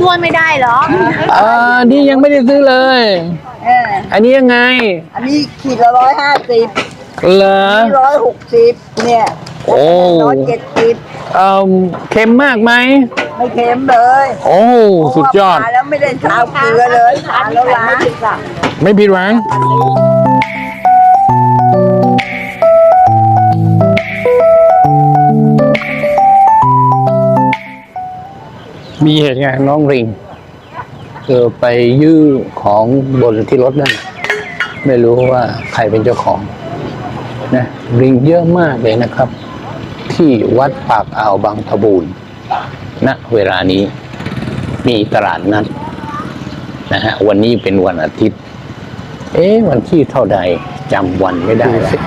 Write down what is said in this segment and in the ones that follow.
วนๆไม่ได้เหรอนี่ยังไม่ได้ซื้อเลยอันนี้ยังไงอันนี้ขีดละ150 เหรอ 160เนี่ยโอ้ 170 เค็มมากไหมไม่เค็มเลยโอ้สุดยอดแล้วไม่ได้ทาเกลือเลยทานแล้วล้างไม่ผิดหวังมีเหตุการณ์น้องริงไปยื้อของบนที่รถนั่นไม่รู้ว่าใครเป็นเจ้าของนะริงเยอะมากเลยนะครับ ที่วัดปากอ่าวบางตะบูนณเวลานี้มีตลาดนัดนะฮะวันนี้เป็นวันอาทิตย์วันที่เท่าใดจำวันไม่ได้แล้ว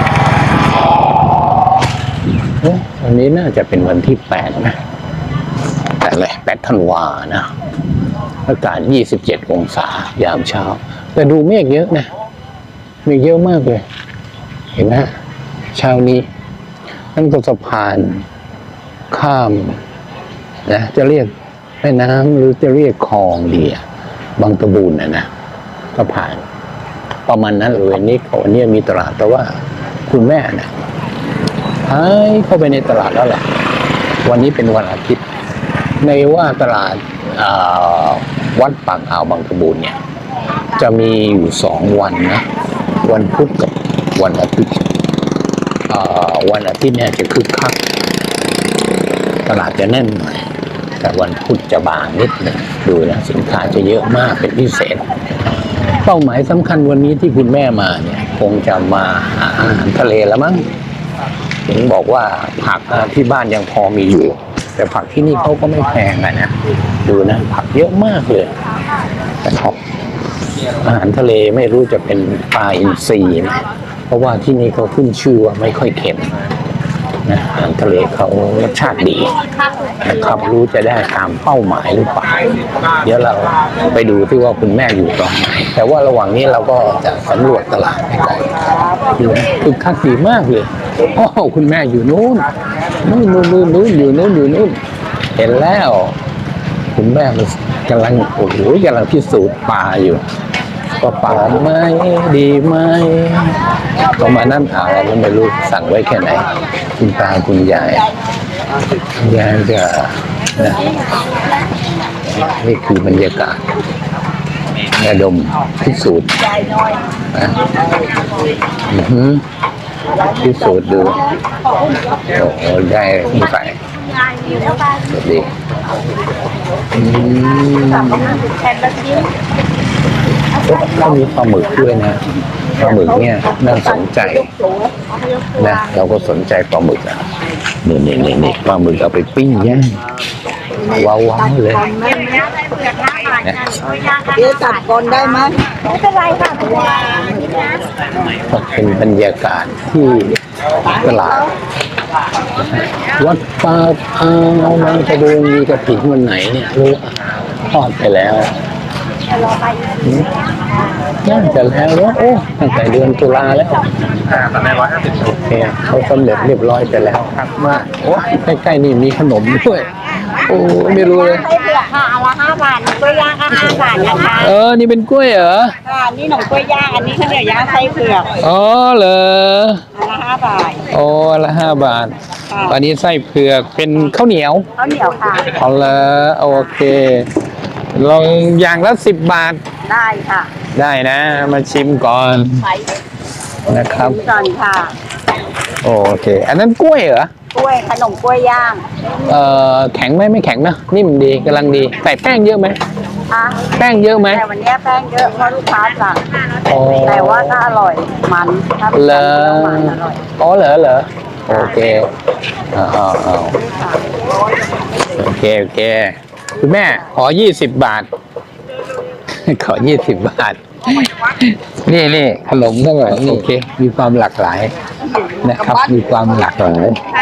วันนี้น่าจะเป็นวันที่8นะ8 ธันวานะอากาศ27 องศายามเช้าแต่ดูเมฆเยอะนะเมฆเยอะมากเลยเห็นไหมเช้านี้นั่นก็สะพานข้ามนะจะเรียกแม่น้ำหรือจะเรียกคลองดีบางตะบูนนะสะพานประมาณนั้นเลยนี่วันนี้มีตลาดแต่ว่าคุณแม่นะหายเข้าไปในตลาดแล้วแหละวันนี้เป็นวันอาทิตย์ในว่าตลาดวัดปากอ่าวบางตะบูนเนี่ยจะมีอยู่2 วันนะวันพุธกับวันอาทิตย์วันอาทิตย์เนี่ยจะคึกคักตลาดจะแน่นหน่อยแต่วันพุธจะบางนิดหนึ่งดูนะสินค้าจะเยอะมากเป็นพิเศษเป้าหมายสำคัญวันนี้ที่คุณแม่มาเนี่ยคงจะมาหาอาหารทะเลแล้วมั้งถึงบอกว่าผักที่บ้านยังพอมีอยู่แต่ผักที่นี่เขาก็ไม่แพงนะดูนะผักเยอะมากเลยนะครับอาหารทะเลไม่รู้จะเป็นปลาอินทรีไหมเพราะว่าที่นี่เขาขึ้นชื่อว่าไม่ค่อยเค็มนะอาหารทะเลเขารสชาติดีนะครับรู้จะได้ตามเป้าหมายหรือเปล่าเดี๋ยวเราไปดูที่ว่าคุณแม่อยู่ตรงไหนแต่ว่าระหว่างนี้เราก็จะสำรวจตลาดไปก่อนคือคักดีมากเลยโอ้คุณแม่อยู่นู้นอยู่นู้นเห็นแล้วคุณแม่กำลังพิสูจน์ปลาอยู่ก็ปลาไหมดีไหมประมาณนั้นแล้วไม่รู้สั่งไว้แค่ไหนคุณตาคุณยายจะนะนี่คือบรรยากาศระดมพิสูจน์นะพิสูจน์ดูโอ้โหได้ไม่ใส่สวัสดีก็มีปลาหมึกด้วยนะปลาหมึกเนี่ยน่าสนใจนะเราก็สนใจปลาหมึกอ่ะนี่ปลาหมึกเอาไปปิ้งย่างว้าวเลยเดี๋ยวตัดก่อนได้ไหมไม่เป็นไรค่ะเป็นบรรยากาศที่ตลาดวัดปากอ่าวบางตะบูนมีกระถิ่นวันไหนเนี่ยรู้ทอดไปแล้วน่าจะแล้วโอ้ตั้งแต่เดือนตุลาแล้วตอนนี้150 โอเคเขาสำเร็จเรียบร้อยไปแล้วครับมาโอ้ใกล้ๆนี่มีขนมด้วยโอ้ไม่รู้เลยไส้เผือกค่ะอันละ5 บาทกล้วยย่างก็5 บาทนะคะนี่เป็นกล้วยเหรอค่ะนี่ขนมกล้วยย่างอันนี้ข้าวเหนียวย่างไส้เผือกเหรออันละ5 บาทอันละ5 บาทอันนี้ไส้เผือกเป็นข้าวเหนียวค่ะละโอเคลองอย่างละ10 บาทได้ค่ะได้นะมาชิมก่อนนะครับก่อนค่ะโอเคอันนั้นกล้วยเหรอกล้วยขนมกล้วยย่างแข็งไหมไม่แข็งนะนิ่มดีกำลังดีใส่แป้งเยอะไหมแป้งเยอะไหมแต่วันนี้แป้งเยอะเพราะลูกค้าสั่งแต่ว่าก็อร่อยมันเหรอเหรอโอเคโอเคคุณแม่ขอ20 บาทขอ20 บาทนี่ขนมก็แบบโอเคมีความหลากหลายนะครับมีความหลากหลาย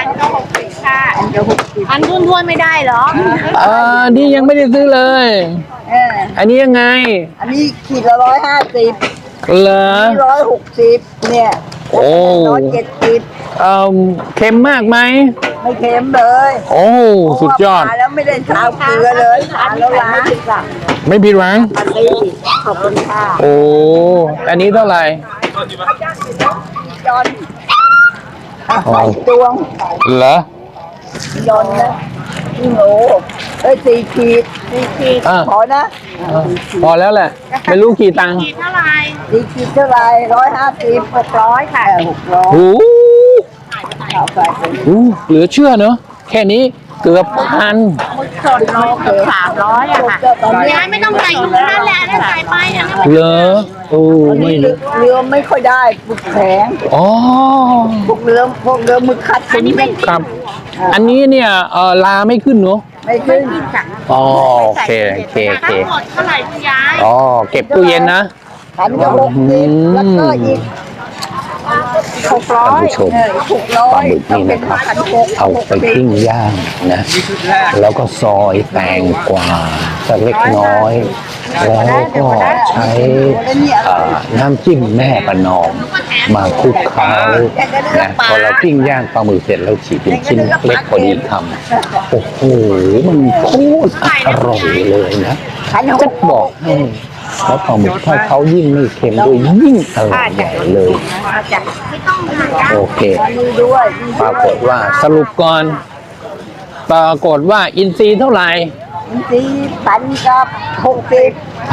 อันทวนๆไม่ได้เหรอนี่ยังไม่ได้ซื้อเลยอันนี้ยังไงอันนี้ขีดละ150 เหรอ 160เนี่ยโโอ้ 170 เค็มมากไหมไม่เค็มเลยโอ้สุดยอดทานแล้วไม่ได้ทานเกลือเลยทานแล้วล้างไม่ผิดหวังอันนี้ขอบคุณค่ะโอ้อันนี้เท่าไหร่ยอนอ๋อดวงเหรอยอนนะพี่หนู4 ขีดอ่ะพอนะพอแล้วแหละ ไม่รู้กี่ตังค์ 4 ขีดเท่าไหร่150 600ค่ะ600 โอ้เอาไปโหเหลือเชื่อเนอะแค่นี้เกือบพันสดโลเกือบ300อะค่ะตอนนี้ยายไม่ต้องใส่ถุงนั่นแหละนั่นใส่ไปอ่ะเหรอโอ้ไม่รู้เรือไม่ค่อยได้ปึกแข็งอ๋อพวกเรือมือคัดอันนี้ไม่ครับ อันนี้เนี่ยลาไม่ขึ้นเนอะไม่ขึ้นอ๋อโอเคโอเคโอเคทั้งหมดเท่าไหร่คุณยายอ๋อเก็บตู้เย็นนะ 160แล้วก็อีกท่านผู้ชมปลาหมึกนี่นะครับ เอาไปปิ้งย่างนะ แล้วก็ซอยแตงกวาสักเล็กน้อย แล้วก็ใช้น้ำจิ้มแม่ประนอมมาคลุกเคล้านะพอเราปิ้งย่างปลาหมึกเสร็จแล้วฉีกเป็นชิ้นเล็กพอดีคำโอ้โหมันโคตรอร่อยเลยนะจะบอกให้แล้วปลาหมึกถ้าเขายิ่งไม่เค็มด้วยยิ่งอร่อยใหญ่เลย โอเค ปรากฏว่าสรุปก่อน ปรากฏว่าอินทรีย์เท่าไหร่พันกับ60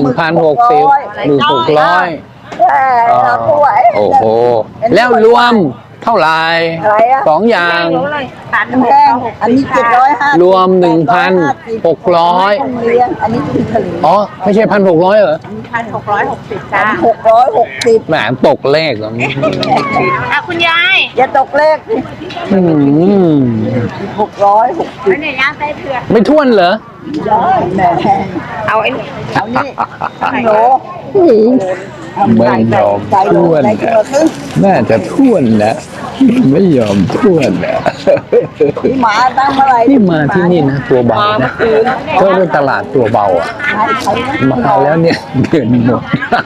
โอ้โห แล้วรวมเท่าไหร่สองอย่างแห้งอันนี้750 รวม 1,600 อันนี้คือผลิตอ๋อ ไม่ใช่ 1,600เหรอ 1,660จ้า 660 แหมตกเลขเหรออ่ะคุณยายอย่าตกเลขอืม 660 ไม่ได้ย่างไส้เผือกไม่ท้วนเหรอได้แม่เอาไอ้เอานี่โหลไม่ยอมท้วนนะน่าจะท้วนนะไม่ยอมท้วนนะที่หมาตั้งเมื่อไหร่ที่มาที่นี่นะตัวเบานะก็เป็นตลาดตัวเบาอ่ะ มาแล้วเนี่ยเงินหมด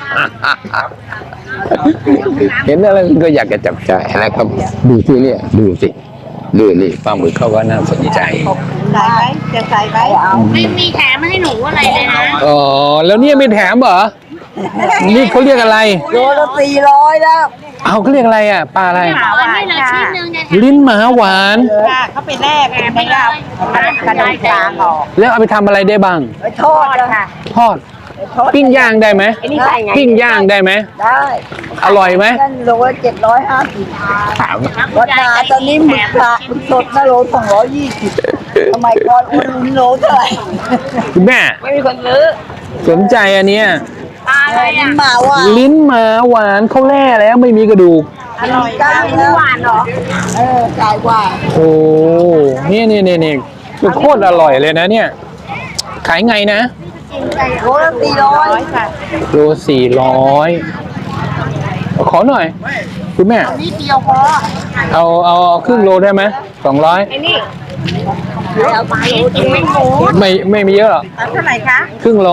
เห็นอะไรก็อยากจะจับจ่ายนะครับ ดูที่เนี่ยดูสิดูนี่ปลาหมึกเขาก็น่าสนใจใส่ไหมจะใส่ไหมเอาไม่มีแถมมาให้หนูอะไรเลยนะอ๋อแล้วเนี่ยไม่แถมเหรอ นี่เขาเรียกอะไรโลละ400แล้วเอาเขาเรียกอะไรอ่ะปลาอะไรเอาอันนี้เลยชิ้นหนึ่งจะแถมลิ้นหมาหวานค่ะเขาไปแลกไม่เอากระดูกกลางออกแล้วเอาไปทำอะไรได้บ้างไปทอดแล้วค่ะทอด ปิ้งย่างได้ไหมไอ้นี่ใส่ไงปิ้งย่างได้ไหมได้อร่อยไหมนั่นโลละ750 ถามวัดนาตอนนี้หมึกสดนะโล220สมัยก่อนอุ่นโลเท่าไหร่คุณแม่ไม่มีคนซื้อสนใจอันเนี้ยปลาอะไรนี่อ่ะมาว่าลิ้นหมาหวานเขาแล่แล้วไม่มีกระดูกอร่อยจ้าจังแล้วหวานเหรอจ่ายว่าโอ้นี่โคตรอร่อยเลยนะเนี่ย ขายไงนะโลละ400 ค่ะโล400 ขอหน่อย คุณแม่นี่เดียวพอเอาครึ่งโลได้ไหม200 ไอ้นี่เอาไปกินไม่หมูไม่มีเยอะหรอกเอาเท่าไหร่คะครึ่งโล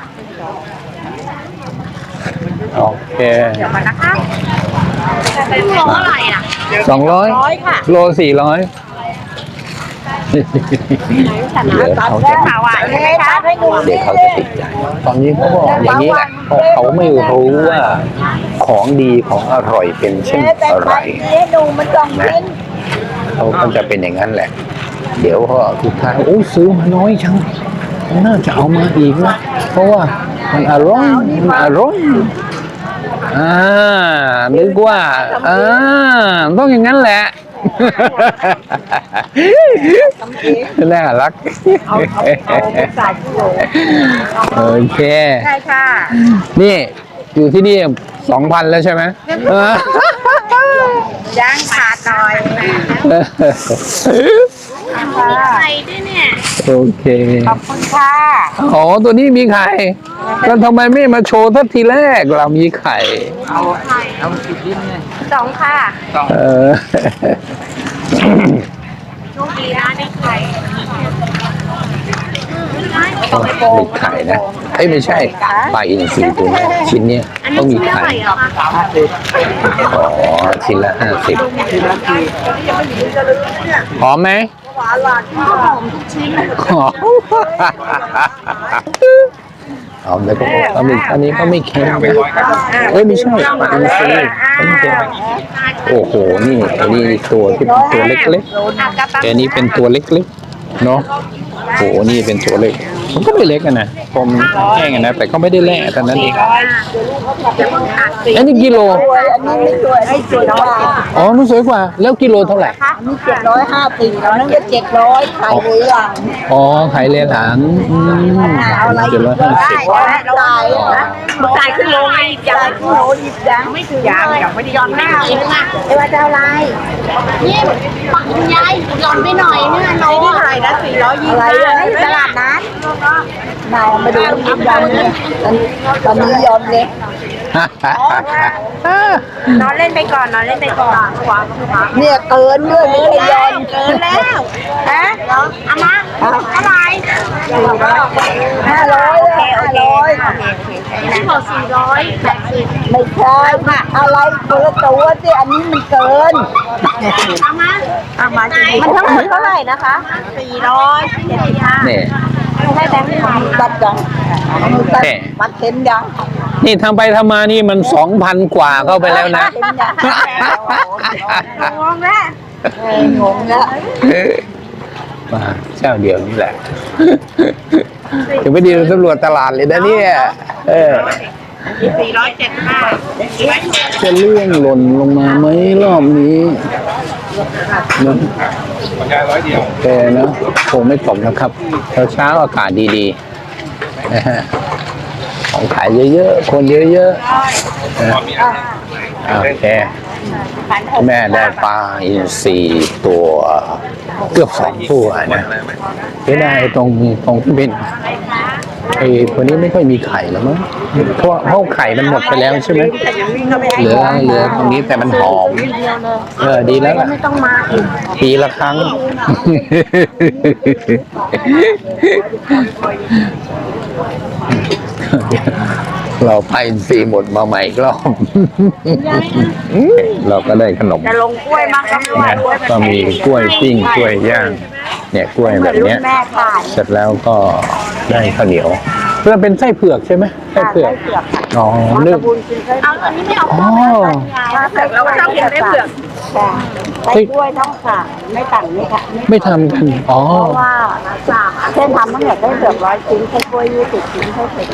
โอเคเดี๋ยวมานะคะครึ่งโลเท่าไหร่อ่ะ 200 ค่ะโล400 เดี๋ยวเขาจะข่าวหวานใช่ไหมคะให้ดูเดี๋ยวเขาจะติดใจ ตอนนี้เขาบอกอย่างนี้แหละเพราะเขาไม่รู้ว่าของดีของอร่อยเป็นเช่นแต่อะไรไปให้ดูมันต้องกินเขาก็จะเป็นอย่างนั้นแหละ เดี๋ยวก็ทุกท้ายโอ้ยซื้อมาน้อยจังน่าจะเอามาอีกนะเพราะว่ามันอร่อยมันอร่อยนึกว่าต้องอย่างนั้นแหละน่ารักเอาใส่กิโลโอเคใช่ค่ะนี่อยู่ที่นี่ 2,000 แล้วใช่ไหมย่างขาดหน่อยไข่ด้วยเนี่ยโอเคขอบคุณค่ะอ๋อ ตัวนี้มีไข่ แล้วทำไมไม่มาโชว์ทักทีแรกเรามีไข่สองค่ะเออโชคดีนะได้ไข่มีไข่นะเอ้ยไม่ใช่ปลาอินทรีตัวนี้ชิ้นเนี้ยอันต้นี้องมีชิ้นเท่าไข่ไหร่เหรอคะอ๋อชิ้นละ50หอมไหมหวานหลานหอมทุกชิ้นหอมหอมแล้วก็อันนี้ก็ไม่เค็มนะเอ้ยไม่ใช่ปลาอินทรีไม่เค็มโอ้โหนี่อันนี้ตัวที่เป็นตัวเล็กๆแต่อันนี้เป็นตัวเล็กๆเนาะโอ้โหนี่เป็นตัวเล็กมันก็ไม่เล็กอะนะผมแห้งอะนะแต่ก็ไม่ได้แล่เท่านั้นเองอันนี้กิโลอันนี้ไม่สวยไม่สวยกว่าอ๋อมันสวยกว่าแล้วกิโลเท่าไหร่อันนี้750แล้วนั่นก็700ขายเลยหลังอ๋อขายเลนหาง750 จ่ายขึ้นโลไงจ่ายขึ้นโลหยิบยังไม่ถึงยังไม่ได้ยอมหน้าเอว่าจะเอาอะไรนี่ปักคุณยายหย่อนไปหน่อยเนี่ยน้องอะไรนะ425อะไรตลาดนั้นนายมาดูยิบยังเนี่ยตอนนี้ยอมเลยนอนเล่นไปก่อนเนี่ยเกินด้วยไม่ได้ยอมเกินแล้วฮะเอามาอะไร 500 ที่บอก480 ไม่ใช่อะไรคนละตัวสิอันนี้มันเกินเอามามันทั้งหมดเท่าไหร่นะคะ475 นี่ให้แบงค์ตัดยังตัดเข็มยังนี่ทำไปทำมานี่มัน 2,000 กว่าเข้าไปแล้วนะงงแล้วงงแล้วมาเจ้าเดียวนี่แหละถึงไม่ดีเราตำรวจตลาดเลยนะเนี่ยจะเลื่องหล่นลงมาไหมรอบนี้นะคนยายร้อยเดียวแต่นะคงไม่ตกนะครับเช้าอากาศดีๆนะฮะของขายเยอะๆคนเยอะๆนะโอเคแม่ได้ปลาอินทรีตัวเกือบ2 ตัวนะไม่ได้ตรงที่เป็นไอ้ตัวนี้ไม่ค่อยมีไข่แล้วมั้งเพราะไข่มันหมดไปแล้วใช่ไหมเหลือตรงนี้แต่มันหอมดีแล้วล่ะไม่ต้องมาอีกปีละครั้ง เราไปซีหมดมาใหม่อีกรอบ เราก็ได้ขนมจะลงกล้วยมากก็ไม่ไหวเนี่ยก็มีกล้วยปิ้งกล้วยย่าง เนี่ยกล้วยแบบเนี้ยแม่ขายเสร็จแล้วก็ได้ข้าวเหนียวเพื่อเป็นไส้เผือกใช่ไหมไส้เผือกอ๋อนึกบุญกินไส้เอาอันนี้ไม่เอาอ๋อเผือกเราชอบกินไส้เผือกไส้กล้วยต้องสั่งไม่สั่งไม่ค่ะไม่ทำกันอ๋อเพราะว่าเส้นทำตั้งแต่ไส้เผือก100 ชิ้นไส้กล้วย20 ชิ้นไส้เผือก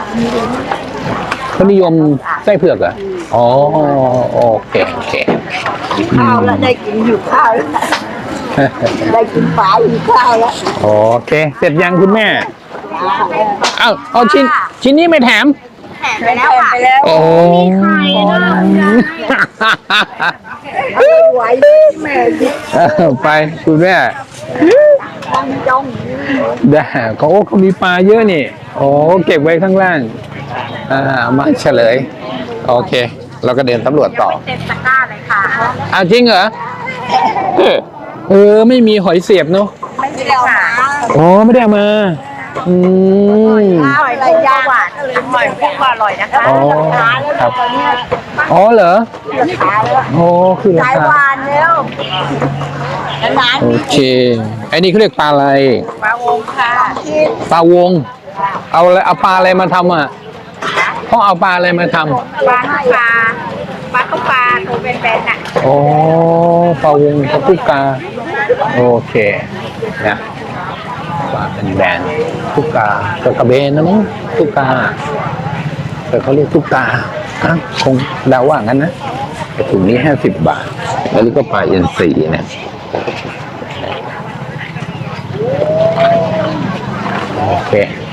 เขานิยมไส้เผือกเหรออ๋อโอเคข้าวแล้วได้กินอยู่ข้าวแล้วได้กินปลาอยู่ข้าวแล้วโอเค เสร็จยังคุณแม่ เอาชิ้นนี้ไม่แถมไปแล้วค่ะไปแล้วโอ้ไข่นะไหวแม่ดิไปคุณแม่ตั้งจ้องได้เขามีปลาเยอะนี่โอ้เก็บไว้ข้างล่างมาเฉลย โอเค เราก็เดินตำรวจต่อเต็มตะกร้าเลยค่ะอ้าวจริงเหรอไม่มีหอยเสียบเนาะไม่ได้เอามาอ๋อไม่ได้เอามาอืมข้าวอะไรย่างหวานหอยพวกอร่อยนะคะอ๋อครับอ๋อเหรอขายแล้วโอ้คือราสายคาหวานเร็วร้านโอเคไอ้นี่เขาเรียกปลาอะไรปลาวงค่ะที่ปลาวง เอาปลาอะไรมาทำอ่ะเขาเอาปลาอะไรมาทำปลาตุ๊กปลาตัวเป็นๆน่ะอ๋อปลาวงกับตุ๊กกาโอเคนะปลาเป็นแบรนด์ตุ๊กกาตัวกระเบนนะมั้งตุ๊กกาแต่เขาเรียกตุ๊กกาคงเดาว่างั้นนะแต่ถุงนี้50 บาทแล้วนี่ก็ปลาอินทรีนะโอเค